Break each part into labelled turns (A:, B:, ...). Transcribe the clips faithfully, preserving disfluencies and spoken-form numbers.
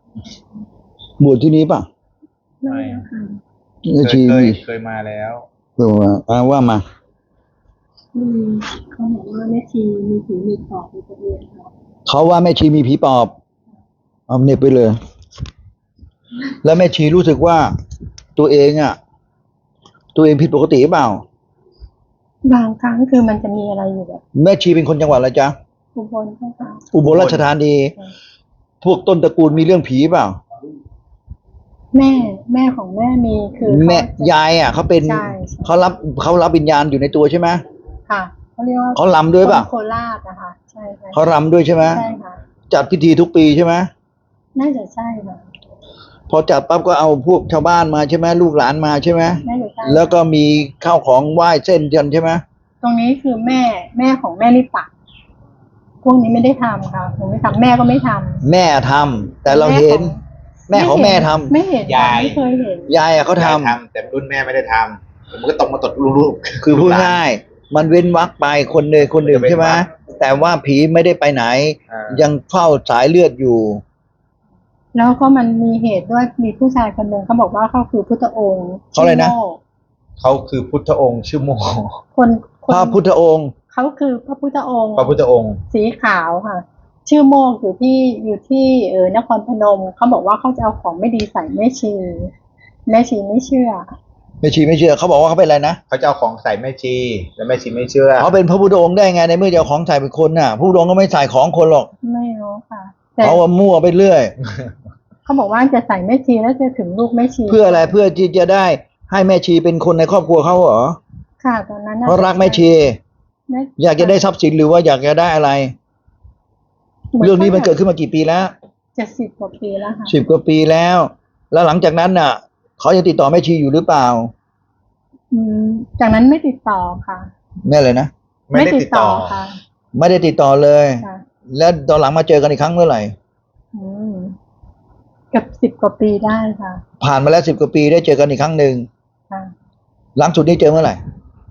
A: บวชที่นี้ป่ะ
B: ไม่ค่ะ
A: แม่
C: เคย
A: ชี
C: เคย
A: มี
C: เคยมาแล้ว
A: เออว่าอ่าว่ามา
B: อืมเขาบอกว่าแม่ชีมีผีมีปอบในตัวเองค่ะ
A: เขาว่าแม่ชีมีผีปอบเอาเน็บไปเลย แล้วแม่ชีรู้สึกว่าตัวเองอ่ะ ตัวเองผิดปกติหรือเปล่า
B: บางครั้งคือมันจะมีอะไรอยู่แบบ
A: แม่ชีเป็นคนจังหวัดอะไรจ๊ะ
B: อุบลใช่ค่ะ
A: อุบลราชธานี พวกต้นตระกูลมีเรื่องผีเปล่า
B: แม่แม่ของแม่มีคือเขา
A: แม่
B: จะ
A: ยายอ่ะเขาเป็น
B: ใช่ใช่
A: เขารับเขารับวิญญาณอยู่ในตัวใช่ไหม
B: ค่ะเขาเรียกว่า
A: เขารำด้วยเปล่า
B: คนโคราชนะคะใช่ค่ะ
A: เขารำด้วยใช่ไหม
B: ใช่ค่ะ
A: จัดพิธีทุกปีใช่ไหม
B: น่าจะใช่ค่ะ
A: พอจัดปั๊บก็เอาพวกชาวบ้านมาใช่ไหมลูกหลานมาใช่ไหม
B: น่าจะใช่
A: แล้วก็มีข้าวของไหว้เส้นกันใช่ไหม
B: ตรงนี้คือแม่แม่ของแม่ลิปะพวกนี้ไม่ได้ทำค่ะผมไม่ทำแม่ก็ไม่ทำ
A: แม่ทำแต่เราเห็น แม่ของแม่ทำ
B: ไม่เห็น
C: ยาย
B: ไม่เคยเห็น
A: ยายอ่ะเขาทำ
C: ยยแต่รุ่นแม่ไม่ได้ทำมันก็ตกมาตดลูกๆ
A: คือพูดง่ายมันเว้นวรรคไปคนหนึ่งคนหนึ่งใช่ไหมแต่ว่าผีไม่ได้ไปไหน
C: อ่า
A: ยังเฝ้าสายเลือดอยู่
B: แล้วก็มันมีเหตุด้วยมีผู้ชายคนหนึ่งเขาบอกว่าเขาคือพุทธองค์
A: เขาอะไรนะ
B: ชื่โม่
C: เขาคือพุทธองค์ชื่อโม
B: คนค
A: พ
B: น
A: ระพุทธองค์
B: เขาคือพระพุทธองค์
C: พระพุทธองค์
B: สีขาวค่ะ ชื่อโมกอยู่ที่อยู่ที่เออนครพนมเขาบอกว่าเขาจะเอาของไม่ดีใส่แม่ชีแม่ชีไม่เชื่อ
A: แม่ชีไม่เชื่อเขาบอกว่าเขาเป็นอะไรนะ
C: เขาจะเอาของใส่แม่ชีแล้วแม่ชีไม่เชื่อ
A: เขาเป็นพระพุทธองค์ได้ไงในเมื่อจะเอาของใส่เป็นคนน่ะพระพุทธองค์ก็ไม่ใส่ของคนหรอก
B: ไม่รู้ค่ะ แต่
A: เขาว่ามั่วไปเรื่อย
B: เขาบอกว่าจะใส่แม่ชีแล้วจะถึงลูกแม่ชี
A: เพื่ออะไรเพื่อที่จะได้ให้แม่ชีเป็นคนในครอบครัวเขาเหรอ
B: ค่ะตอนนั้นน่ะ
A: เพราะรักแม่ชี
B: แม่
A: อยากจะได้ทรัพย์สินหรือว่าอยากจะได้อะไร เรื่องนี้มันเกิดขึ้นมากี่ปีแล้ว
B: จะสิบกว่าปีแล้วค่ะ
A: สิบกว่าปีแล้ว แล้วหลังจากนั้นน่ะเขายังติดต่อแม่ชีอยู่หรือเปล่า
B: อืมจากนั้นไม่ติดต่อค่ะ
A: แม่เลยนะ
C: ไม่ได้ติดต่อ
B: ค่ะ
A: ไม่ได้ติดต่อเลย
B: ค่ะ
A: แล้วตอนหลังมาเจอกันอีกครั้งเมื่อไหร่
B: อืมเกับสิบกว่าปีได้ค่ะ
A: ผ่านมาแล้วสิบกว่าปีได้เจอกันอีกครั้งหนึ่ง
B: ค่ะ
A: หลังสุดนี้เจอเมื่อไหร่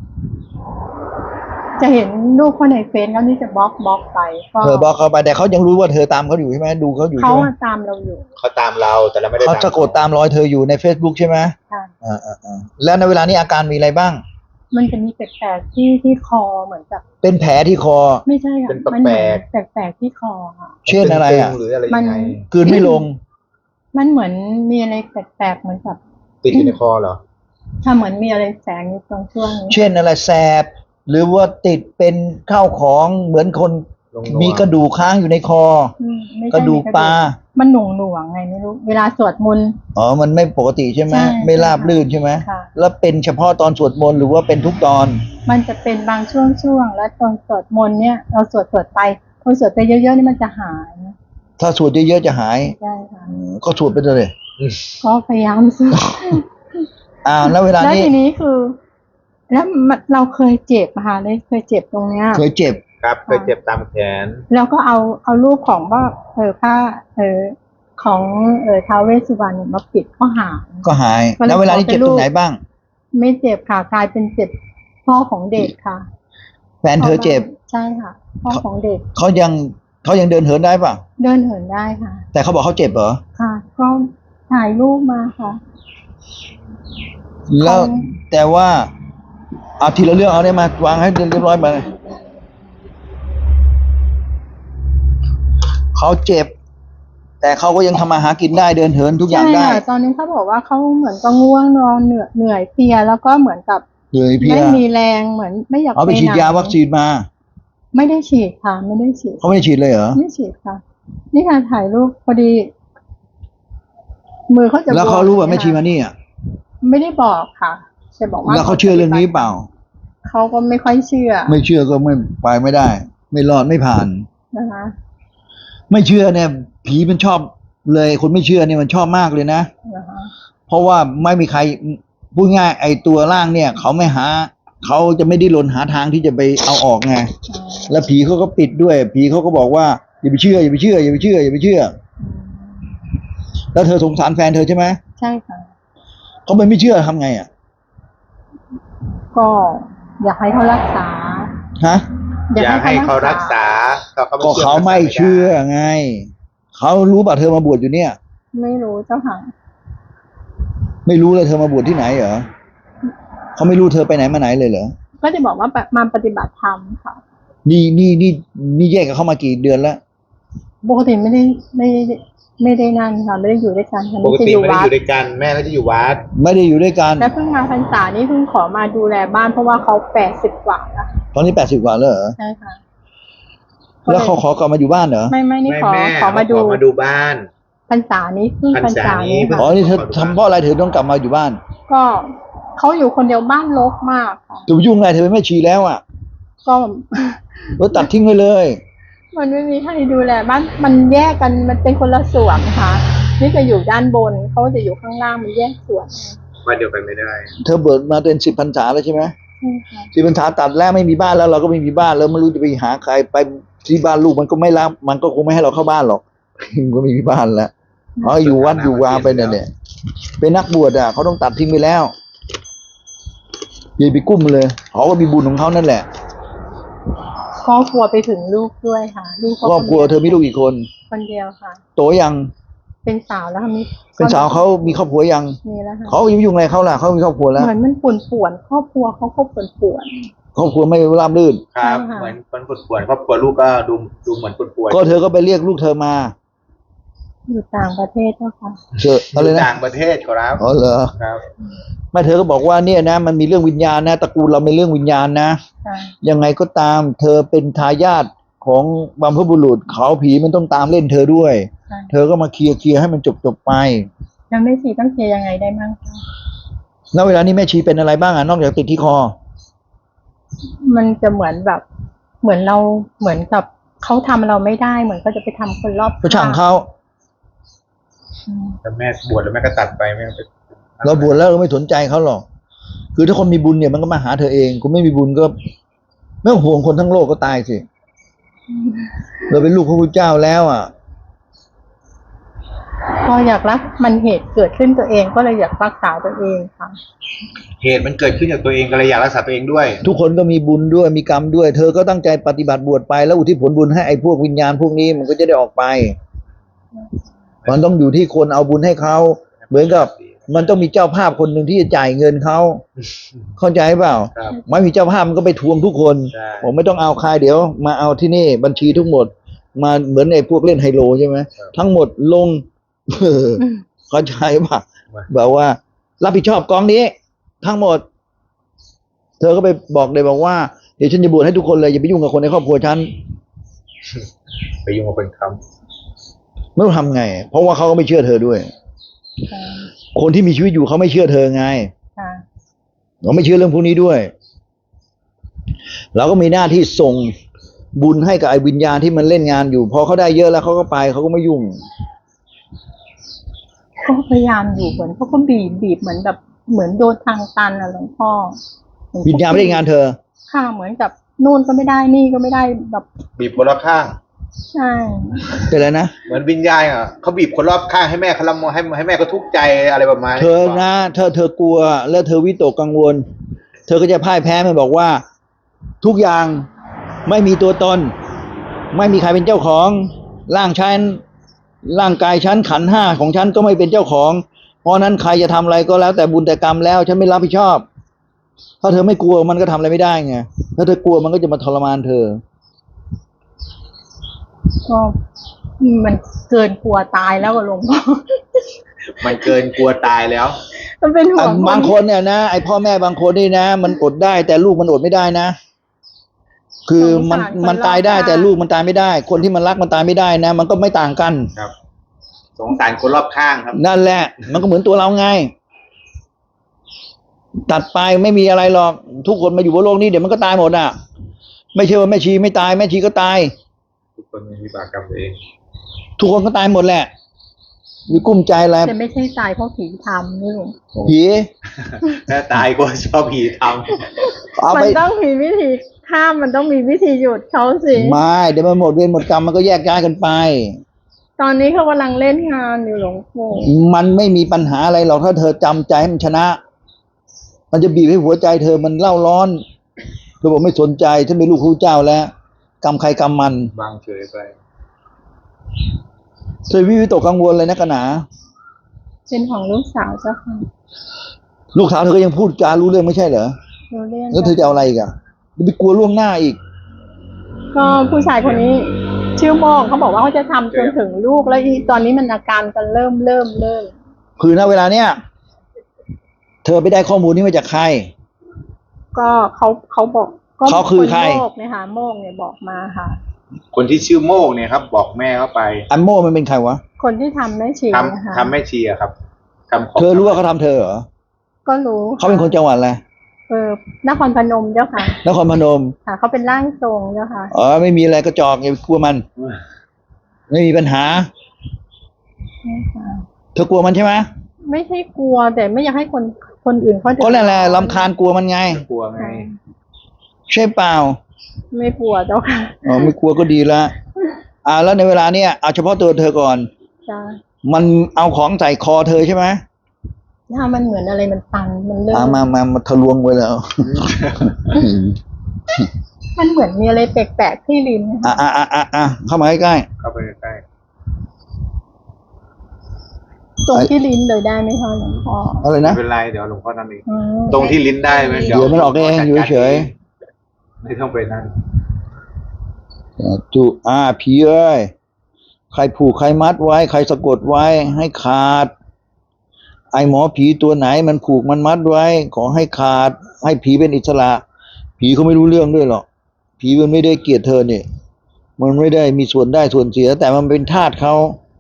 B: จะเห็นรูปเขาในเฟซแล้วนี่จะบล็อกบล็อกไปก็
A: เธอบอกเขาไปแต่เขายังรู้ว่าเธอตามเขาอยู่ใช่ไหมดูเขาอยู่
B: เขา
A: ใช่ไหม
B: อะตามเราอยู่
C: เขาตามเราแต่เราไม่ได้
A: เขาสะกดตามรอยเธออยู่ใน Facebook ใช่ไหม
B: ค่ะ
A: อ่าอ่าอ่าแล้วในเวลานี้อาการมีอะไรบ้าง
B: มันจะมีแปลกๆที่ที่คอเหมือนกับ
A: เป็นแผลที่คอ
B: ไม่ใช่ค่ะ
C: เป็น
B: มัน
C: แป
B: เห
C: ล
B: มือน
C: ก
B: แปลกๆที่คอค่ะ
A: เช่นอะไรอ่ะ
C: ตึงๆหรืออะไรยังไง
B: มัน
A: กลืนไม่ลง
B: มันเหมือนมีอะไรแปลกๆเหมือนกับ
C: ติดอยู่ในคอเหรอ
B: ถ้าเหมือนมีอะไรแสงอยู่ตรงช่วงนี้
A: เช่นอะไรแสบ หรือว่าติดเป็นข้าวของเหมือนคน
C: ลงๆ
A: มีกระดูกค้างอยู่ในคอ
B: อืมไม่ใช่
A: กระดูกปลา
B: มันหน่วงหน่วงๆไงไม่รู้ เวลาสวดมนต์
A: อ๋อ มันไม่ปกติใช่ไหม
B: ใช่
A: ไม่ราบลื่นใช่ไหม
B: ค่ะ
A: แล้วเป็นเฉพาะตอนสวดมนต์หรือว่าเป็นทุกตอน
B: มันจะเป็นบางช่วงช่วงๆแล้วตอนสวดมนต์เนี่ยเราสวดสวดไปพอสวดไปเยอะๆนี่มันจะหาย
A: ถ้าสวดเยอะๆจะหาย
B: ใช่ค่ะ
A: อืมก็สวดไปเลย
B: ก็พยายามสวด
A: อ่าแล้วเวลา
B: แล้ว
A: นี้
B: ทีนี้คือ แล้วมันเราเคยเจ็บอะค่ะเลยเคยเจ็บตรงเนี้ย
A: เคยเจ็บ
C: ครับเคยเจ็บตามแขน
B: แล้วก็เอาเอารูปของว่าเออผ้าเออของเออท้าวเวสสุวรรณเนี่ยมาปิดก็หาย
A: ก็หาย
B: ก็เลย
A: แล้วเวลานี้
B: ขอเป็น
A: เจ็บตรงไหน
B: ลูก
A: บ้าง
B: ไม่เจ็บค่ะกลายเป็นเจ็บพ่อของเด็กค่ะ
A: แฟนเธอเจ็บ
B: ใช่ค่ะ พ่อของเด็ก
A: เขายังเขายังเดินเหินได้ป่ะ
B: เดินเหินได้ค่ะ
A: แต่เขาบอกเขาเจ็บเหรอ
B: ค่ะ ก็ถ่ายรูปมาค่ะ
A: แล้ว
B: เขา
A: แต่ว่าเอาทีละเรื่องเอาได้มาวางให้เรียบร้อยมาเขาเจ็บ แต่เขาก็ยังทำมาหากินได้เดินเหินทุกอย่าง
B: ใช่
A: ได้
B: ค่ะตอนนี้เขาบอกว่าเขาเหมือนก็ง่วงนอนเหนื่อยเหนื่อยเพลียแล้วก็เหมือนกับ
A: เลยเพลีย
B: ไม่มีแรงเหมือนไม่อยาก
A: เอาไปฉีด
B: หน
A: ยาวัคซีนมา
B: ไม่ได้ฉีดค่ะ ไม่ได้ฉีด
A: เขาไม่ได้ฉีดเลยเหรอ
B: ไม่ฉีดค่ะ นี่การถ่ายรูปพอดี มือเขาจะ
A: แล้วเขา
B: บว
A: รู้ว่า
B: นี่ย
A: แม่ชีมานี่อ่ะ
B: ไม่ได้บอกค่ะแต่บอกว่า
A: แล้วเขาเชื่อเรื่องนี้เปล่า
B: เขาก็ไม่ค่อยเชื่อ
A: ไม่เชื่อก็ไม่ไปไม่ได้ ไม่รอดไม่ผ่าน
B: นะคะ
A: ไม่เชื่อเนี่ย ผีมันชอบเลย คนไม่เชื่อเนี่ยมันชอบมากเลยนะ
B: นะคะ
A: เพราะว่าไม่มีใครพูดง่ายไอ้ตัวร่างเนี่ย เขาไม่หา เขาจะไม่ได้หลนหาทางที่จะไปเอาออกไง
B: อ่า
A: แล้วผีเขาก็ปิดด้วย ผีเขาก็บอกว่าอย่าไปเชื่ออย่าไปเชื่ออย่าไปเชื่ออย่าไปเชื่อ แล้วเธอสงสารแฟนเธอใช่ไหม
B: ใช่ค่ะ
A: เขาไม่ไม่เชื่อทำไงอ่ะ
B: ก็อยากให้เขารักษา
A: ฮะ
C: อยากให้เขารักษาเขา
A: ก็เขาไม่เชื่อไง เขารู้ป่ะเธอมาบวชอยู่เนี่ย
B: ไม่รู้เจ้าค่ะ
A: ไม่รู้เลยเธอมาบวชที่ไหนเหรอเขาไม่รู้เธอไปไหนมาไหนเลยเหรอ
B: ก็จะบอกว่ามาปฏิบัติธรรมค่ะ
A: นี่นี่นี่นี่แยกกับเขามากี่เดือนแล้ว
B: ปกติไม่ได้ไม่ได้ไม่ได้นั่นค่ะไม่ได้อยู่ด้วยกันค่ะ
C: ปก
B: จะ
C: ติ
B: อยู่
C: ไม่ได้
B: วั
C: อ
B: ด
C: ยู่ด้วยกันแม่ก็จะอยู่วัด
A: ไม่ได้อยู่ด้วยกัน
B: และเพิ่งมาพรรษานี่เพิ่งขอมาดูแลบ้านเพราะว่าเขาแปดสิบกว่าแล้ว
A: ตอนนี้แปดสิบกว่าแล้วเหรอ
B: ใช่ค่ะ
A: แล้วเขาขอกลับมาอยู่บ้านเหรอ
B: ไม่ไม่นี่
C: ไม่
B: ขอ
C: แม่
B: ขอมาดู
C: ขอมาดูบ้าน
B: พรรษานี้เพิ่งพ
C: พ
B: ร
C: ร
B: ร
C: ร
B: ษา
C: ษานี้
B: นี้
C: เพิ่ง
A: อ๋
B: ค่ะ
A: อนี่เธอทำเพราะอะไรเธอต้องกลับมาอยู่บ้าน
B: ก็เขาอยู่คนเดียวบ้านรกมากค่ะ
A: จะไปยุ่งไงเธอเป็นแม่ชีแล้วอ่ะ
B: ก็
A: เออตัดทิ้งไปเลย
B: มันไม่มีใครดูแลบ้านมันแยกกันมันเป็นคนละส่วนค่ะนี่จะอยู่ด้านบนเขาจะอยู่ข้างล่างมันแยกส่วน
C: วันเดียวกันไม่ได้
A: เธอเบิดมาเป็นสิบพรรษาแล้วใช่ไหม
B: ใช่ค่ะ
A: สิบพรรษาตัดแล้วไม่มีบ้านแล้วเราก็ไม่มีบ้านแล้วไม่รู้จะไปหาใครไปที่บ้านลูกมันก็ไม่รับมันก็คงไม่ให้เราเข้าบ้านหรอก มันก็ไม่มีบ้านแล้วอ๋ออยู่วัดอยู่วาไปเนี่ยเนี่ยเป็นนักบวชอ่ะเขาต้องตัดทิ้งไปแล้วอย่าไปกุ้มเลยเขาก็มีบุญของเขานั่นแหละ
B: ครอบครัวไปถึงลูกด้วยค่ะ ลูก
A: ครอบครัวเธอมีลูกกี่คน
B: คนเดียวค่ะ
A: โตยัง
B: เป็นสาวแล้วค่ะมี
A: เป็นสาวเขามีครอบครัวยัง
B: มีแล้วค่ะ
A: เขายุ่งอะไรเขาล่ะเขามีครอบครัวแล้ว
B: เหมือนมันป่วนป่วนๆครอบครัวเขาก็ป่วนป่วน
A: ครอบครัวไม่ราบรื่น
C: ครับ
B: ใช่ค่ะ
C: เหมือนคนปวดปวดครอบครัวลูกก็ดูดูเหมือนปวดปวด
A: ก็เธอก็ไปเรียกลูกเธอมา
B: ๆอยู่ต่างประเทศเจ้าค่ะ
A: เจออะไรนะ
C: ต่างประเทศครับ
A: อ๋อเหรอ
C: ครับ
A: ไม่เธอก็บอกว่าเนี่ยนะมันมีเรื่องวิญญาณนะตระกูลเราเป็นเรื่องวิญญาณนะ
B: ค่ะ
A: ยังไงก็ตาม เธอเป็นทายาทของบัมพบุรุษเขาผีมันต้องตามเล่นเธอด้วย
B: ค่ะ
A: เธอก็มาเคลียร์เคลียร์ให้มันจบจบไป
B: แล้วไม่สีต้องเคลียร์ยังไงได้บ้างคะ
A: แล้วเวลานี้แม่ชีเป็นอะไรบ้างอ่ะนอกจากติดที่คอ
B: มันจะเหมือนแบบ เหมือนเราเหมือนกับเขาทำเราไม่ได้เหมือนเขาจะไปทำคนรอบ
A: ก็ช่างเขา
B: อืม
C: แล้วแม่บวชแล้วแม่ก็ตัดไปแม่ก็ไป
A: เราบวชแล้วเราไม่สนใจเขาหรอก คือถ้าคนมีบุญเนี่ยมันก็มาหาเธอเองคุณไม่มีบุญก็ไม่ต้องห่วงคนทั้งโลกก็ตายสิเราเป็นลูกพระพุทธเจ้าแล้วอ่ะ
B: ก็อยากรักมันเหตุเกิดขึ้นตัวเองก็เลยอยากรักษาตัวเองค่ะ
C: เหตุมันเกิดขึ้นจากตัวเองก็เลยอยากรักษาตัวเองด้วย
A: ทุกคนก็มีบุญด้วยมีกรรมด้วย เธอก็ตั้งใจปฏิบัติบวชไปแล้วอุทิศผลบุญให้ไอ้พวกวิญญาณพวกนี้มันก็จะได้ออกไป มันต้องอยู่ที่คนเอาบุญให้เขาเหมือนกับ มันต้องมีเจ้าภาพคนหนึ่งที่จะจ่ายเงินเขาเข้าใจเปล่า
C: ครับ
A: ไม่มีเจ้าภาพมันก็ไปทวงทุกคน
C: ใช่
A: ผมไม่ต้องเอาใครเดี๋ยวมาเอาที่นี่บัญชีทั้งหมด มาเหมือนไอ้พวกเล่นไฮโลใช่ไหมทั้งหมดลง เออเข้าใจป่ะแบบว่า รับผิดชอบกองนี้ ทั้งหมด เธอก็ไปบอกเลยบอกว่าเดี๋ยวฉันจะบวชให้ทุกคนเลยอย่าไปยุ่งกับคนในครอบครัวฉัน
C: ไปยุ่งกับคนค้
A: ไม่รู้ทำไง เพราะว่าเขาก็ไม่เชื่อเธอด้วย
B: ค่ะ
A: คนที่มีชีวิตอยู่เขาไม่เชื่อเธอไง
B: ค่ะ
A: เราไม่เชื่อเรื่องพวกนี้ด้วย เราก็มีหน้าที่ส่งบุญให้กับไอ้วิญญาณที่มันเล่นงานอยู่ พอเขาได้เยอะแล้วเขาก็ไปเขาก็ไม่ยุ่ง
B: ก็พยายามอยู่เหมือนเขาก็บีบบีบเหมือนแบบเหมือนโดนทางตันอะหลวงพ่อเหมือน
A: วิญญาณไม่ได้งานเธอ
B: ค่ะเหมือนกับนู่นก็ไม่ได้นี่ก็ไม่ได้แบบ
C: ำบีบคนรอบข้าง
B: ใช่
A: เป็นไรนะ
C: เหมือนวิญญาณอ่ะเขาบีบคนรอบข้างให้แม่เขาละโมให้ให้แม่ก็ทุกข์ใจอะไรประมาณนี้
A: เธอนะเธอเธอกลัวแล้วเธอวิตกกังวล เธอก็จะพ่ายแพ้มันบอกว่า ทุกอย่างไม่มีตัวตน ไม่มีใครเป็นเจ้าของร่างฉันร่างกายฉันขันธ์ห้าของฉันก็ไม่เป็นเจ้าของ เพราะนั้นใครจะทำอะไรก็แล้วแต่บุญแต่กรรมแล้ว ฉันไม่รับผิดชอบ ถ้าเธอไม่กลัวมันก็ทำอะไรไม่ได้ไงถ้าเธอกลัวมันก็จะมาทรมานเธอ
B: ก็มันเกินกลัวตายแล้วอะหลวงพ่อ
C: มันเกินกลัวตายแล้ว
B: มันเป็นห่ว
A: อ่ะ
B: ง
A: บางคนเนี่ยนะไอพ่อแม่บางคนนี่นะ มันอดได้แต่ลูกมันอดไม่ได้นะ คือมันมันตายได้แต่ลูกมันตายไม่ได้ คนที่มันรักมันตายไม่ได้นะ มันก็ไม่ต่างกัน
C: ครับ สงสารคนรอบข้างครับ
A: นั่นแหละ มันก็เหมือนตัวเราไง ตัดไปไม่มีอะไรหรอก ทุกคนมาอยู่บนโลกนี้เดี๋ยวมันก็ตายหมดอ่ะ ไม่ใช่ว่าแม่ชีไม่ตายแม่ชีก็ตาย
C: ทุกคนมีวิบากกรรมตัวเอง
A: ทุกคนก็ตายหมดแหละมีกุ้มใจอะไร
B: แต่ไม่ใช่ตายเพราะผีทำนี่หลวงพ่อ
A: ผี
C: ถ้าตายก็ชอบผีท
A: เอา
B: มั
A: ไป
B: นต้องมีวิธีข้ามมันต้องมีวิธีหยุดเขาสิ
A: ไม่เดี๋ยวมันหมดเวรหมดกรรมมันก็แยกย้ายกันไป
B: ตอนนี้เขากำลังเล่นงานอยู่หลวงพ่อ
A: มันไม่มีปัญหาอะไรหรอกถ้าเธอจำใจให้มันชนะ มันจะบีบให้หัวใจเธอมันเล่าร้อนเธอบอกไม่สนใจฉันเป็นลูกครูเจ้าแล้ว กรรมใครกรรมมัน
C: ำบางเฉยไป
A: เธอวิวิตกกังวลเลยนะกะหนา
B: คเป็นของลูกสาวเจ้าค่ะ
A: ลูกสาวเธอก็ยังพูดจารู้เรื่องไม่ใช่เหรอ
B: รู้เรื่อง
A: แล้วเธอจะเอาอะไรอีกอะไปกลัวล่วงหน้าอีก
B: ก็ผู้ชายคนนี้ ชื่อโมงเขาบอกว่าเขาจะทำจนถึงลูกแล้วอีตอนนี้มันอาการกันเริ่มเริ่มเริ่ม
A: คือณเวลาเนี้ยเธอไปได้ข้อมูลนี้มาจากใคร
B: ก็เขาเขาบอกก็
A: เขาคือใคร
B: โมกเนี่ยค่ะโมกเนี่ยบอกมาค่ะ
C: คนที่ชื่อโมกเนี่ยครับ บอกแม่เข้าไป
A: อันโม่มันเป็นใครวะ
B: คนที่ทำแม่ชี
C: ท
B: นะคะ
C: ำทำแม่ชีอะครับทำของ
A: เธอรู้ว่าเขาทำเธอเหรอ
B: ก็รู้
A: เขาเป็นคนจังหวัดอะไร
B: เออนครพนมเจ้าค่ะ
A: นครพนม
B: ค่ะเขาเป็นร่างทรงเจ้าค่ะ
A: อ๋อไม่มีอะไรกระจอกอย่าไปกลัวมัน ไม่มีปัญหา
B: นี่ค่ะ
A: เธอกลัวมันใช่ไหม
B: ไม่ใช่กลัวแต่ไม่อยากให้คนคนอื่นเขา
A: ก็นั่นแหละรำคาญกลัวมันไง
C: กลัวไง
B: ค่ะ
A: ใช่เปล่า
B: ไม่กลัวเจ้าค่ะ
A: อ๋อไม่กลัวก็ดีละอ่าแล้วในเวลาเนี้ยเอาเฉพาะตัวเธอก่อน
B: จ้า
A: มันเอาของใส่คอเธอใช่ไหม
B: ถ้ามันเหมือนอะไรมันตันมันเริ่
A: อ่าม มามามาทะลวงไปแล้ว
B: มันเหมือนมีอะไรแปลกๆที่ลิ้นนะคะ
A: อ่ะอ่ะอ่ะอ่ะอ่ะเข้ามาใกล้
C: เข้าไปใกล้
B: ตรงที่ลิ้นเลยได้ไหมคะหลวงพ่อ
A: ๆอะไร
C: ๆไม่
A: นะ
C: เป็นไรเดี๋ยวหลวงพ่อนั่นเอง
B: อืม
C: ตรงที่ลิ้นได้ไหม
A: เดี๋ยวมันออกเองอยู่เฉย
C: ไม่ต้องไปนั่น
A: จุอ่าผีเอ้ยใครผูกใครมัดไว้ ใครสะกดไว้ให้ขาด ไอหมอผีตัวไหนมันผูกมันมัดไว้ ขอให้ขาด ให้ผีเป็นอิสระ ผีเขาไม่รู้เรื่องด้วยหรอก ผีมันไม่ได้เกลียดเธอเนี่ย มันไม่ได้มีส่วนได้ส่วนเสีย แต่มันเป็นทาสเขา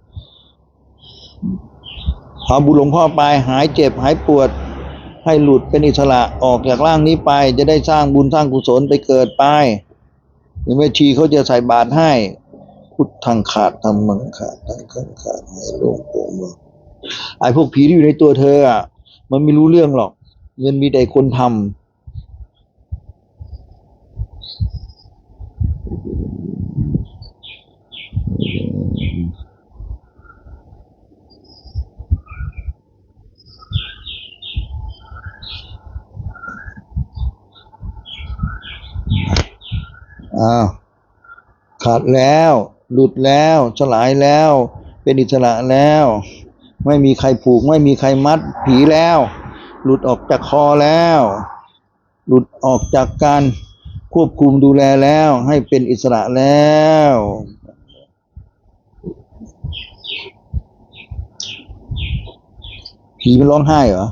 A: เอาบุญหลวงพ่อไปหายเจ็บหายปวด ให้หลุดเป็นอิสระออกจากร่างนี้ไป จะได้สร้างบุญสร้างกุศลไปเกิดไปหรือแม่ชีเขาจะใส่บาตรให้ พุทธังขาดธรรมังขาดทังขังขาดให้โลงโปร่งเบาไอ้พวกผีที่อยู่ในตัวเธออ่ะมันไม่รู้เรื่องหรอกมันมีแต่คนทำอ้าวขาดแล้ว หลุดแล้วสลายแล้ว เป็นอิสระแล้ว ไม่มีใครผูกไม่มีใครมัดผีแล้ว หลุดออกจากคอแล้ว หลุดออกจากการควบคุมดูแลแล้ว ให้เป็นอิสระแล้ว ผีมันร้องไห้เหรอ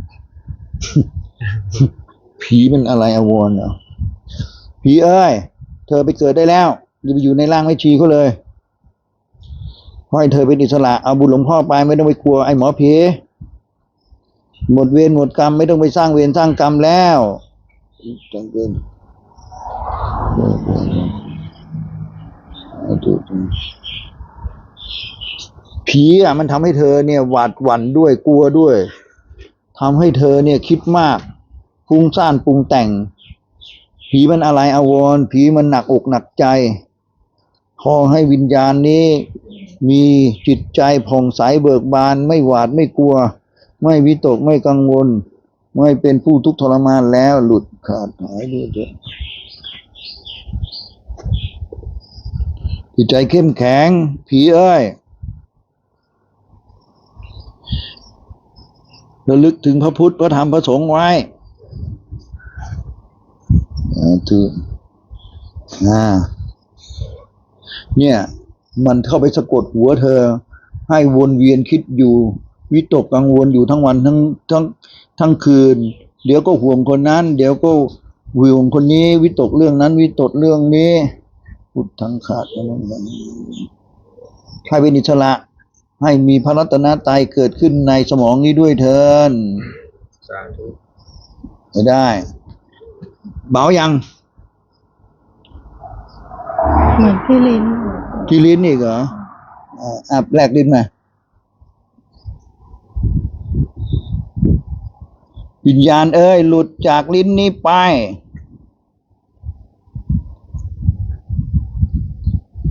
A: ผีมันอะไรอาวรณ์เหรอผีเอ้ยเธอไปเกิดได้แล้วอย่าไปอยู่ในร่างไม่ชีเขาเลยขอให้เธอเป็นอิสระเอาบุญหลวงพ่อไปไม่ต้องไปกลัวไอ้หมอผีหมดเวรหมดกรรมไม่ต้องไปสร้างเวรสร้างกรรมแล้วจังเกินผีอ่ะมันทำให้เธอเนี่ยหวาดหวั่นด้วยกลัวด้วยทำให้เธอเนี่ยคิดมากฟุ้งซ่านปรุงแต่งผีมันอะไรอาวรณ์ผีมันหนักอกหนักใจขอให้วิญญาณนี้มีจิตใจผ่องใสเบิกบานไม่หวาดไม่กลัวไม่วิตกไม่กังวลไม่เป็นผู้ทุกข์ทรมานแล้วหลุดขาดหายด้วยเถิดจิตใจเข้มแข็งผีเอ้ยระลึกถึงพระพุทธพระธรรมพระสงฆ์ไว้อ่าถืออ่าเนี่ยมันเข้าไปสะกดหัวเธอให้วนเวียนคิดอยู่วิตกกังวลอยู่ทั้งวันทั้งทั้งทั้งคืนเดี๋ยวก็ห่วงคนนั้นเดี๋ยวก็ห่วงคนนี้วิตกเรื่องนั้นวิตกเรื่องนี้พุทธังขาดให้เป็นอิสระให้มีพระรัตนตรัยเกิดขึ้นในสมองนี้ด้วยเถิด
C: สาธุ
A: ไม่ได้เบายัง
B: เหมือนที่ลิ้น
A: ที่ลิ้นอีกเหรออ่าอ่ะแลกลิ้นมาวิญญาณเอ้ยหลุดจากลิ้นนี้ไป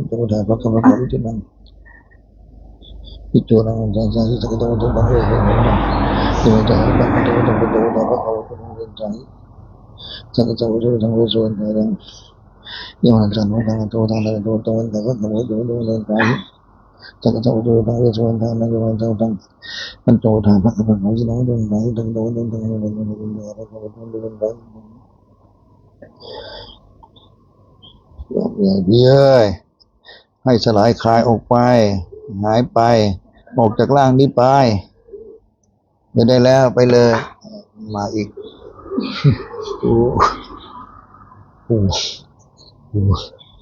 D: โตดาภะคะวะโตวิจุนังวิจุนังจันทร์สักกะโตโตบังเอหินะโตดาภะคะวะโตโตโตดาภะคะวะโตจันทร์สักกะโตโตสังเวชวันตังยะมันจันทร์วันโตตังโตโตตังภะคะวะโตโตจันทร์สักกะโตโตสังเวชวันตังนะโยมันโตตังมันโตดาภะคะวะโตวิจุนังโตตังโตโตโตตังโตโตภะคะวะโตโตจันทร์อย่าเบี้ยให้สลายคลายออกไปหายไปออกจากร่างนี้ไปไม่ได้แล้วไปเลยมาอีกโอ้โหโอ้โห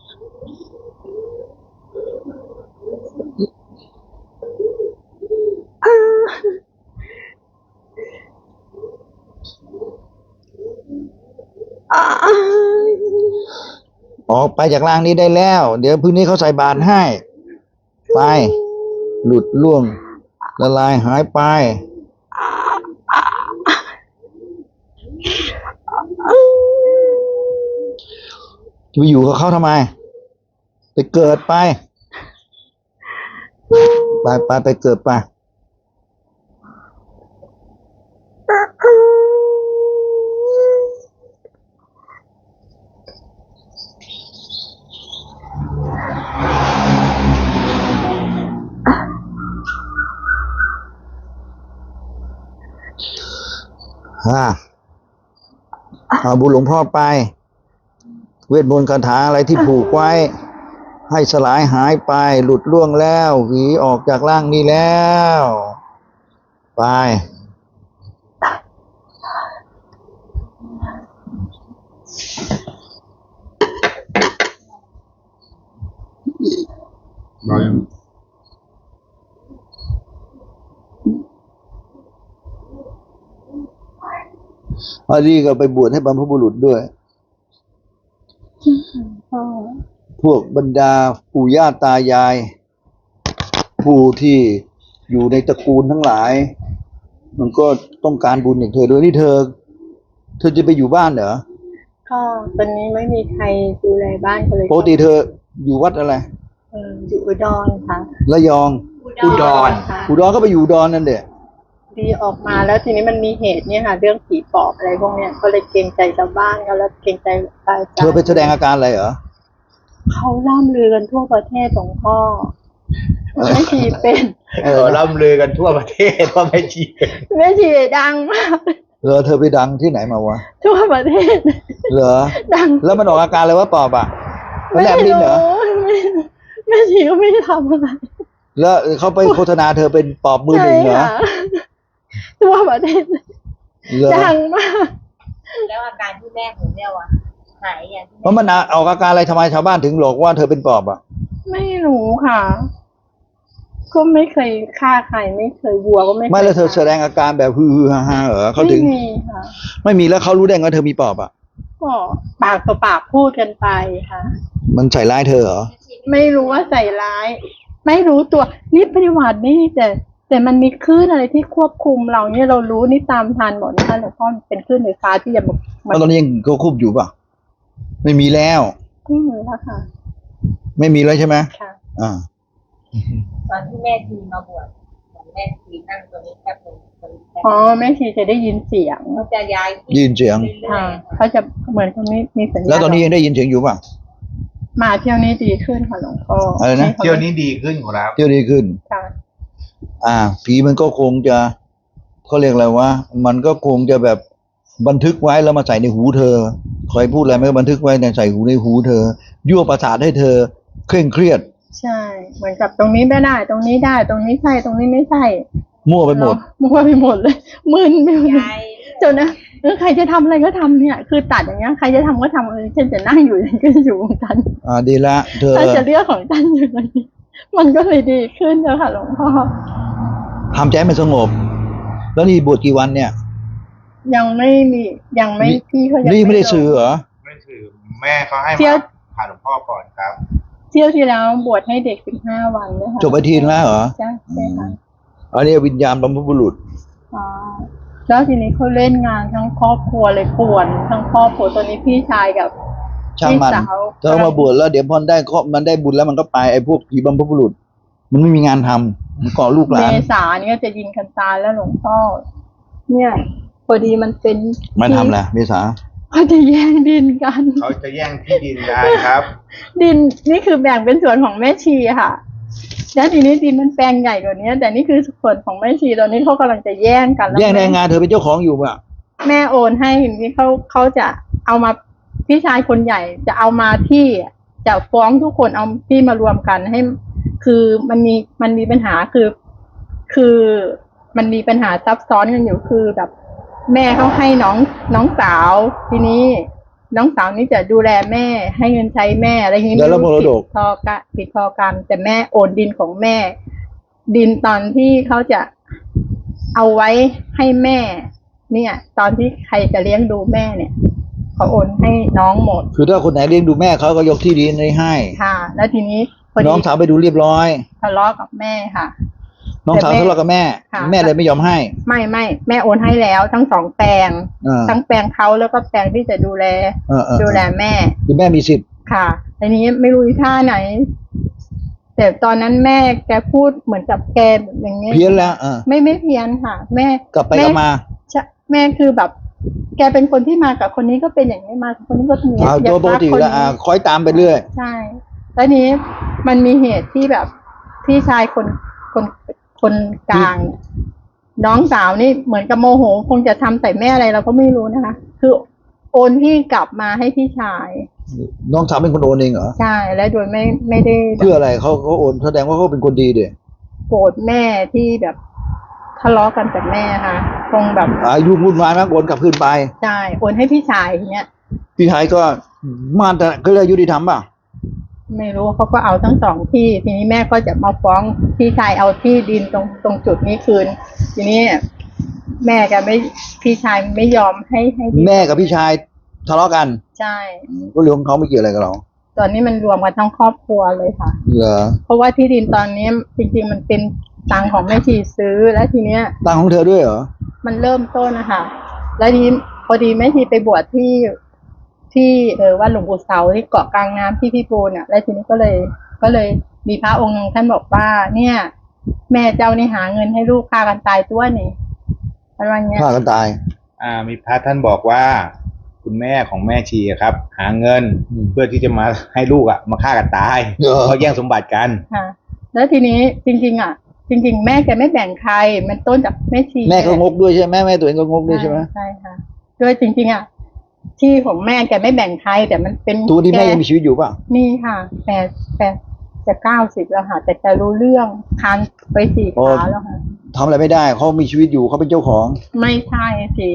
D: ออกไปจากร่างนี้ได้แล้ว เดี๋ยวพรุ่งนี้เขาใส่บาตรให้ไปหลุดล่วงละลายหายไปจะไปอยู่กับเขาทำไมไปเกิดไปไปไปไปเกิดไปฮ่าเอาบุญหลวงพ่อไปเวทมนต์คาถาอะไรที่ผูกไว้ให้สลายหายไปหลุดล่วงแล้วหวีออกจากร่างนี้แล้วไป
C: เรายัง
A: อันนี้ก็ไปบวชให้บรรพบุรุษด้วย
B: พ่อ
A: พวกบรรดาปู่ย่าตายาย ผู้ที่อยู่ในตระกูลทั้งหลาย มันก็ต้องการบุญอย่างเธอด้วยนี่เธอ เธอจะไปอยู่บ้านเหรอ
B: ก็ตอนนี้ไม่มีใครดูแลบ้านก็เลย
A: ปกติเธออยู่วัดอะไร
B: เอออยู่อุดรค่ะ
A: ระยอง
C: อุดร
B: ค่ะ
A: อุดรก็ไปอยู่อุดรนั่นเด็
B: ดีออกมาแล้วทีนี้มันมีเหตุเนี่ยค่ะ เรื่องผีปอบอะไรพวกเนี้ยก็เลยเกรงใจชาวบ้านก็แล้วเกรงใจพระอาจารย์
A: เธอไปแสดงอาการอะไรเหรอ
B: เขาล่ำลือกันทั่วประเทศหลวงพ่อแม่ชีเป็น
A: เอ
C: เอ
A: อ
C: อล่ำลือกันทั่วประเทศว่าแม่ชี
B: แม่ชีดังมาก
A: เออเธอไปดังที่ไหนมาวะ
B: ทั่วประเทศ
A: เหรอ
B: ดัง
A: แล้วมันออกอาการอะไรวะปอบอ่ะมัน
B: ไม่
A: แลบลิ้น
B: รู้
A: เหรอ
B: ไม่แม่ชีก็ไม่ได้ทำอะไร
A: แล้วเขาไปโฆษณาเธอเป็นปอบมือหนึ่งเหรอ
B: ใช่ค่ะทั่วประเทศ
A: เหรอ
B: ดังมาก
E: แล้วอาการที่แม่ผมเนี่ยว่ะหายอย่างที่
A: เพราะมันออกอาการอะไรทำไมชาวบ้านถึงหลอกว่าเธอเป็นปอบอ่ะ
B: ไม่รู้ค่ะ ก็ไม่เคยฆ่าใครไม่เคยวัวก็ไม่คย
A: ไม่แล้วเธอ
B: ฆ่า
A: แสดงอาการแบบฮือๆฮ่าๆเหรอเขาถึง
B: ไม่มีค่ะ
A: ไม่มีแล้วเขารู้ได้ไงว่าเธอมีปอบอ่ะ
B: ก็ปากต่อปากพูดกันไปค่ะ
A: มันใส่ร้ายเธอเหรอ
B: ไม่รู้ว่าใส่ร้าย ไม่รู้ตัวนี่ปฏิวัตินี่แต่ แต่มันมีคลื่นอะไรที่ควบคุมเราเนี่ยเรารู้นี่ตามทันหมดนะคะหลวงพ่อมันเป็นคลื่นไฟฟ้าที่จะมามา
A: แล้วตอนนี้ยังเขาคุบอยู่ป่ะ ไม่มีแล้ว
B: ไม่มีแล้วค่ะ
A: ไม่มีแล้วใช่ไหม
B: ค่ะ
A: อ่า
E: ตอนที่แม่ทีมาบวชเหมือนแม่ทีนั่งตัวนี้แค่เป็นตัวนี้แค่
B: อ๋อแม่ชีจะได้ยินเสียง
E: เขาจะย้าย
A: ยินเสียง
B: ค่ะเขาจะเหมือนคนนี้มีสัญญาณ
A: แล้วตอนนี้ยังได้ยินเสียงอยู่ป่ะ
B: มาเที่ยวนี้ดีขึ้นค่ะหลวงพ่อ
A: อะไรนะ
B: ให้ขา
C: เที่ยวนี้ดีขึ้นของเรา
A: เที่ยวดีขึ้น
B: ค่ะ
A: อ่า ผีมันก็คงจะเขาเรียกอะไรวะมันก็คงจะแบบบันทึกไว้แล้วมาใส่ในหูเธอคอยพูดอะไรไม่บันทึกไว้ในใส่หูในหูเธอยั่วประสาทให้เธอเคร่งเครียด
B: ใช่ เหมือนกับตรงนี้ไม่ได้ ตรงนี้ได้ ตรงนี้ใช่ตรงนี้ไม่ใช่
A: มั่วไปหมด
B: มั่วไปหมดเลยมึนไปหมดเลย
E: ย้าย
B: จนนะเออใครจะทำอะไรก็ทำเนี่ย คือตัดอย่างเงี้ยใครจะทำก็ทำเออฉันจะนั่งอยู่ฉันก็อยู่ของฉัน
A: อ่าดีละเธอ
B: ฉันจะเลือกของฉันอยู่ตรงนี้มันก็เลยดีขึ้นเจ้าค่ะหลวงพ่อ
A: ทำใจให้มันสงบ แล้วนี่บวชกี่วันเนี่ย
B: ยังไม่มียังไม่
A: นี่
B: พี่เขายัง
A: นี่ไม่ได้
B: ลง
A: ซื้อเหรอ
C: ไม่ถือแม่เขาให้
B: เที่ยว
C: มาผ่านหลวงพ่อก่อนครับ
B: เที่ยวที่แล้วบวชให้เด็กสิบห้าวันนะคะ
A: จบไปทีนึงแล้วเหรอ
B: ใช่ใช่ค่ะ
A: อันนี้วิญญาณบรรพบุรุษ
B: อ๋อแล้วทีนี้เขาเล่นงานทั้งครอบครัวเลยป่วนทั้งครอบครัวตอนนี้พี่ชายกับ
A: ช่างมัน
B: พี่สาว
A: เธอมาบวชแล้วเดี๋ยวพอได้ข้อมันได้บุญแล้วมันก็ไปไอ้พวกผีบรรพบุรุษ มันไม่มีงานทำมันเกาะลูกห
B: เม
A: ลาน
B: ษานี่ก็จะยิงกันตายแล้วหลวงพ่อเนี่ยพอดีมันเป็น
A: มาทำแหละเมษา
B: เขาจะแย่งดินกัน
C: เขาจะแย่งที่ดินได้ครับ
B: ดินนี่คือแบ่งเป็นส่วนของแม่ชีค่ะแล้วทีนี้ดินมันแปลงใหญ่กว่านี้แต่นี่คือส่วนของแม่ชีตอนนี้เขากำลังจะแย่งกันล้ว
A: แย่งได้
B: ม่
A: งานเธอเป็นเจ้าของอยู่ป่ะ
B: แม่โอนให้ทีนี้เขาเขาจะเอามาพี่ชายคนใหญ่จะเอามาที่จะฟ้องทุกคนเอาที่มารวมกันให้ คือมันมีมันมีปัญหาคือ คือมันมีปัญหาซับซ้อนกันอยู่คือแบบ แม่เขาให้น้องน้องสาว ทีนี้ น้องสาวนี่จะดูแลแม่ให้เงินใช้แม่อะไรอย่างนี้
A: แล้วมรดก
B: ผิดพอกันผิดพอกัน แต่แม่โอนดินของแม่ ดินตอนที่เขาจะเอาไว้ให้แม่ เนี่ย ตอนที่ใครจะเลี้ยงดูแม่เนี่ยเขาโอนให้น้องหมด
A: คือถ้าคนไหนเลี้ยงดูแม่เขาก็ยกที่ดินให้
B: ค่ะ แล้วทีนี้พอ
A: น้
B: ดี
A: องสาวไปดูเรียบร้อย
B: ทะเลาะกับแม่ค่ะ
A: น้องสาว
B: แต่แม่
A: ทะเลาะกับแม่
B: ค่ะ
A: แม่เลยไม่ยอมให้
B: ไม่ไม่แม่โอนให้แล้วทั้งสองแปลง
A: อ่า
B: ทั้งแปลงเขาแล้วก็แปลงที่จะดูแล
A: เออเออ
B: ดูแลแม่
A: คือแม่มีสิทธิ์
B: ค่ะทีนี้ไม่รู้อีท่าไหน แต่ตอนนั้นแม่แกพูดเหมือนกับแกแบบอย่างเงี้ย
A: เพี้ยนแล้วเออ
B: ไม่ไม่เพี้ยนค่ะ แม่
A: กลับไป
B: แ
A: กลับมา
B: ใช่แม่คือแบบ แกเป็นคนที่มากับคนนี้ก็เป็นอย่างนี้มากับคนนี้ก็เป็นอย่างนี้
A: เอา
B: อยา
A: ตัวปก
B: รั
A: ติ
B: คน
A: แล้วอ่า
B: นี้
A: คอยตามไปเรื่อย
B: ใช่แล้วนี้มันมีเหตุที่แบบพี่ชายคนคนคนกลาง น้องสาวนี่เหมือนกับโมโหคงจะทำใส่แม่อะไรเราก็ไม่รู้นะคะ คือโอนที่กลับมาให้พี่ชาย
A: น้องสาวเป็นคนโอนเองเหรอ
B: ใช่และโดยไม่ไม่ได้
A: เพื่ออะไรเขาเขาโอนแสดงว่าเขาเป็นคนดีเด็
B: โกรธแม่ที่แบบทะเลาะกันกับแม่ค่ะคงแบบ
A: อายุวุ่นวายมากโอนกลับคืนไป
B: ใช่โอนให้พี่ชายทีเนี้ย
A: พี่ชายก็มาแต่ก็เลยยุติธรรมป่ะ
B: ไม่รู้เขาก็เอาทั้งสองที่ ทีนี้แม่ก็จะมาฟ้องพี่ชายเอาที่ดินตรงตรงจุดนี้คืน ทีนี้แม่ก็ไม่พี่ชายไม่ยอมให้ให้ดิน
A: แม่กับพี่ชายทะเลาะกัน
B: ใช่
A: ก็เรื่องของเขาไม่เกี่ยวอะไรกับเรา
B: ตอนนี้มันรวมกันทั้งครอบครัวเลยค่ะ
A: เหรอ
B: เพราะว่าที่ดินตอนนี้จริงๆมันเป็นตังค์ของแม่ชีซื้อแล้วทีเนี้ย
A: ตังของเธอด้วยเหรอ
B: มันเริ่มต้นนะคะแล้วทีนี้พอดีแม่ชีไปบวชที่ที่เออวัดหลวงปู่เสาที่เกาะกลางน้ำที่พี่ปูนอ่ะแล้วทีนี้ก็เลย ก็เลยมีพระองค์หนึ่งท่านบอกว่า เนี่ย แม่เจ้านี่หาเงินให้ลูกฆ่ากันตายตัวนี่อะไรเงี้ย
A: ฆ่ากันตาย
C: อ่ามีพระท่านบอกว่า คุณแม่ของแม่ชีอะครับ หาเงิน
A: อืม
C: เพื่อที่จะมาให้ลูกอ่ะมาฆ่ากันตาย
A: เหรอ
C: เพราะแย่งสมบัติกัน
B: ค่ะ แล้วทีนี้จริง ๆ อ่ะ จริง ๆ แม่แกไม่แบ่งใคร มันต้นจากแม่ชี
A: แม่ก็งกด้วยใช่ไหมแม่ตัวเองก็งกด้วยใช่ไหม
B: ใช่ค่ะด้วยจริง ๆ อ่ะ ที่ของแม่แกไม่แบ่งใครแต่มันเป็น
A: ตัวที่แม่
B: ก
A: ยังมีชีวิตอยู่ป่ะ
B: มีค่ะแปดแปดจะเก้าสิบแล้วค่ะ แต่จะรู้เรื่องคานไปสี่
A: โอ้
B: ขาแล้วค่ะ
A: ทำอะไรไม่ได้เขามีชีวิตอยู่เขาเป็นเจ้าของ
B: ไม่ใช่สิ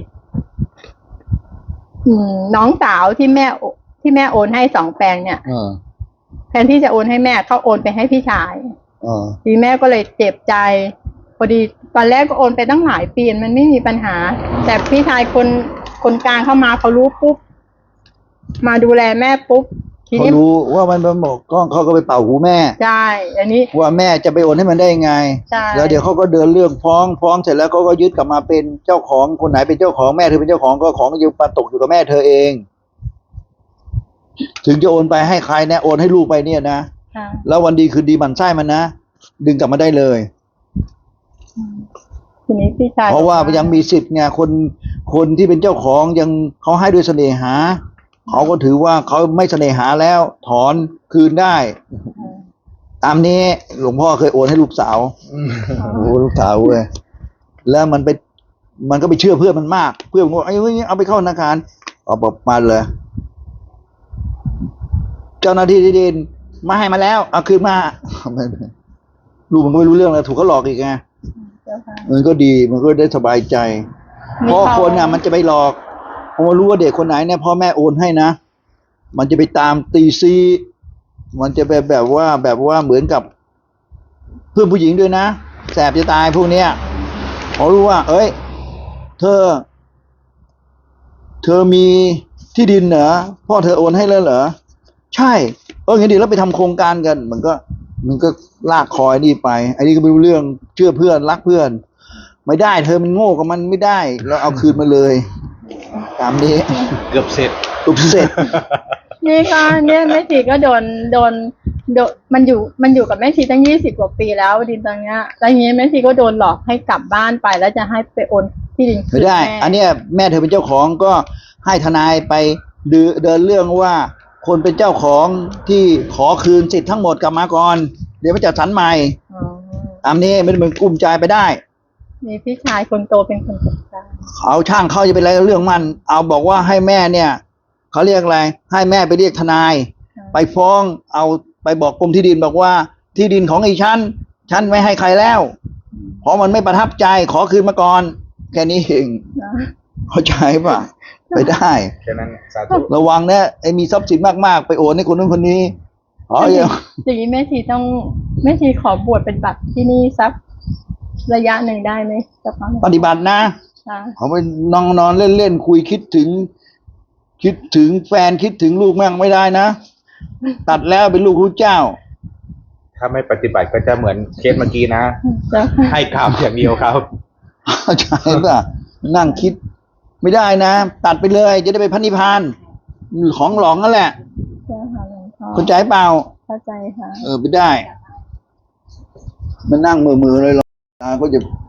B: อืมน้องสาวที่แม่โอที่แม่โอนให้สองแปลงเนี่ย
A: เออ
B: แทนที่จะโอนให้แม่เขาโอนไปให้พี่ชาย
A: เออ
B: ทีแม่ก็เลยเจ็บใจพอดีตอนแรกก็โอนไปตั้งหลายปีมันไม่มีปัญหา แต่พี่ชายคนคนกลางเข้ามาเขารู้ปุ๊บมาดูแลแม่ปุ๊บที
A: เขา
B: นี้
A: รู้ว่ามันมันบอกก็เขาก็ไปเป่าหูแม่
B: ใช่อันนี้
A: ว่าแม่จะไปโอนให้มันได้ยังไง
B: ใช่
A: แล้วเดี๋ยวเขาก็เดินเรื่องฟ้องฟ้องเสร็จแล้วเขาก็ยึดกลับมาเป็นเจ้าของคนไหนเป็นเจ้าของแม่เธอเป็นเจ้าของก็ของอยู่มาตกอยู่กับแม่เธอเอง ถึงจะโอนไปให้ใครนะโอนให้ลูกไปเนี่ยนะ
B: ค่ะ
A: แล้ววันดีคืนดีหมันไส้มันนะดึงกลับมาได้เลย
B: ทีนี้พี่ชาย
A: เพราะว่า
B: บอก
A: ยังมีสิทธิ์ไงคนคนที่เป็นเจ้าของยังเขาให้ด้วยเสน่หาเขาก็ถือว่าเขาไม่เสน่หาแล้วถอนคืนได้ ตามนี้หลวงพ่อเคยโอนให้ลูกสาวโอ้โหลูกสาวเว้ยแล้วมันไปมันก็ไปเชื่อเพื่อนมันมาก เพื่อนมันบอกไอ้เว้ยเอาไปเข้าธนาคารเอาบอกมาเลย เจ้าหน้าที่ที่ดินมาให้มาแล้วเอาคืนมาลูกมันก็ไม่รู้เรื่องแล้วถูกเขาหลอกอีกไง
B: เจ้าค่ะ
A: มันก็ดีมันก็ได้สบายใจ
B: มี
A: เพราะ
B: เขา
A: คนอ่ะ มันจะไปหลอกพอมารู้ว่าเด็กคนไหนเนี่ยพ่อแม่โอนให้นะมันจะไปตามตีซีมันจะไปแบบว่าแบบว่าเหมือนกับเพื่อนผู้หญิงด้วยนะแสบจะตายพวกเนี้ยพอรู้ว่า เอ้ย เธอ เธอมีที่ดินเหรอพ่อเธอโอนให้แล้วเหรอใช่เอองั้นดีแล้วไปทำโครงการกัน มันก็ มันก็ลากคอยนี่ไปไอ้นี่ก็ไม่รู้เรื่องเชื่อเพื่อนรักเพื่อน ไม่ได้ เธอมันโง่กับมันไม่ได้เราเอาคืนมาเลย ตามนี้
C: เกือบเสร็จ
A: ตุบเสร็จ
B: นี่ก็เนี่ยแม่ชีก็โดนโดนโดนมันอยู่มันอยู่กับแม่ชีตั้งยี่สิบกว่าปีแล้วดินตอนเนี้ยแล้วทีนี้แม่ชีก็โดนหลอกให้กลับบ้านไปแล้วจะให้ไปโอนที่ดินคื
A: ไม่
B: น
A: ได้
B: แม่
A: อันเนี้ยแม่เธอเป็นเจ้าของก็ให้ทนายไปดือเดินเรื่องว่า คนเป็นเจ้าของที่ขอคืนสิทธิ์ทั้งหมดกลับมาก่อน เดี๋ยวมาจัดสรรใหม่
B: อ๋อ
A: ตามนี้ไม่ได้เป็นกลุ้มใจไปได้
B: มีพี่ชายคนโตเป็นคนจัดการ
A: เอาช่างเขาจะเป็นอะไรกับเรื่องมัน เอาบอกว่าให้แม่เนี่ยเขาเรียกอะไร ให้แม่ไปเรียกทนาย ไปฟ้องเอาไปบอกกรมที่ดินบอกว่าที่ดินของไอ้ฉันฉันไม่ให้ใครแล้ว เพราะมันไม่ประทับใจขอคืนมาก่อน แค่นี้เอง
B: นะ
A: เข้าใจป่ะ ไปได้
C: แค่นั้นสาธุ
A: ระวังนะไอ้มีทรัพย์สินมากๆ ไปโอนให้คนนู้นคนนี้อ๋อเดี๋ยว
B: อย่างนี้แม่ชีต้องแม่ชีขอบวชเป็นบัตรที่นี่สักระยะหนึ่งได้ไหมสักพักหนึ่ง
A: ปฏิบัตินะ
B: ค่ะ
A: เขาไปนอนนอนเล่นเล่นคุยคิดถึง คิดถึงแฟนคิดถึงลูกแม่งไม่ได้นะ ตัดแล้วเป็นลูกพระเจ้า
C: ถ้าไม่ปฏิบัติก็จะเหมือนเคสเมื่อกี้นะ
B: เจ้าค่ะ
C: ให้กรรมอย่างเดียวครับ
A: เข้าใจป่ะนั่งคิด ไม่ได้นะ ตัดไปเลย จะได้ไปพันนิพพานของหลองนั่นแหละ
B: เจ้าค่ะหลวงพ่อ
A: เข้าใจเปล่า
B: เข้าใจค่ะ
A: เออไม่ได้ มันนั่งมือมือๆเลยหรอกตาก็จะ